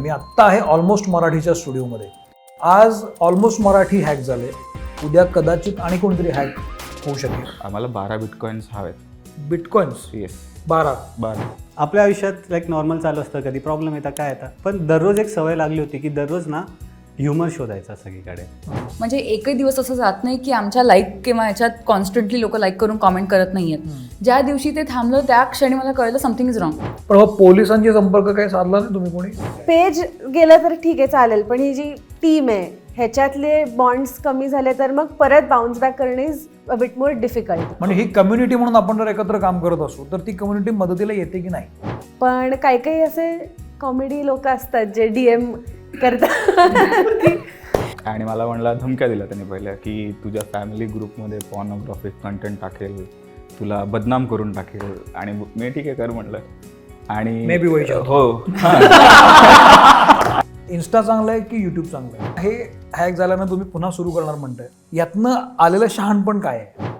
मी आत्ता आहे ऑलमोस्ट मराठीच्या स्टुडिओमध्ये. आज ऑलमोस्ट मराठी हॅक झाले, उद्या कदाचित आणि कोणतरी हॅक होऊ शकेल. आम्हाला 12 बिटकॉइन्स हवेत. Bitcoins yes 12. आपल्या आयुष्यात लाईक नॉर्मल चालू असतं, कधी प्रॉब्लेम येतात काय येतात, पण दररोज एक सवय लागली होती की दररोज ना ह्युमर शोधायचा सगळीकडे. म्हणजे एकही दिवस असं जात नाही की आमच्या लाईक किंवा याच्यात कॉन्स्टंटली लोक लाईक करून कॉमेंट करत नाही आहेत. ज्या दिवशी ते थांबलं त्या क्षणी मला कळलं समथिंग इज रॉंग. पण मग पोलिसांशी संपर्क काही साधला नाही तुम्ही कोणी? पेज गेलं तर ठीक आहे चालेल, पण ही जी टीम आहे ह्याच्यातले बॉन्ड्स कमी झाले तर मग परत बाउन्स बॅक करणे is a bit more difficult. म्हणजे ही कम्युनिटी म्हणून आपण जर एकत्र काम करत असू तर ती कम्युनिटी मदतीला येते की नाही? पण काही काही असे कॉमेडी लोक असतात जे DM करतात. आणि मला म्हणला धमक्या दिल्या त्याने पहिल्या की तुझ्या फॅमिली ग्रुपमध्ये पॉर्नोग्राफिक कंटेंट टाकेल, तुला बदनाम करून टाकेल. आणि मी ठीक आहे कर म्हटलं. आणि Maybe वैशाली. हो इन्स्टा चांगलं आहे की यूट्यूब चांगलं आहे? हे हॅक झाल्यानं तुम्ही पुन्हा सुरू करणार म्हणताय, यातनं आलेलं शहाणपण काय आहे?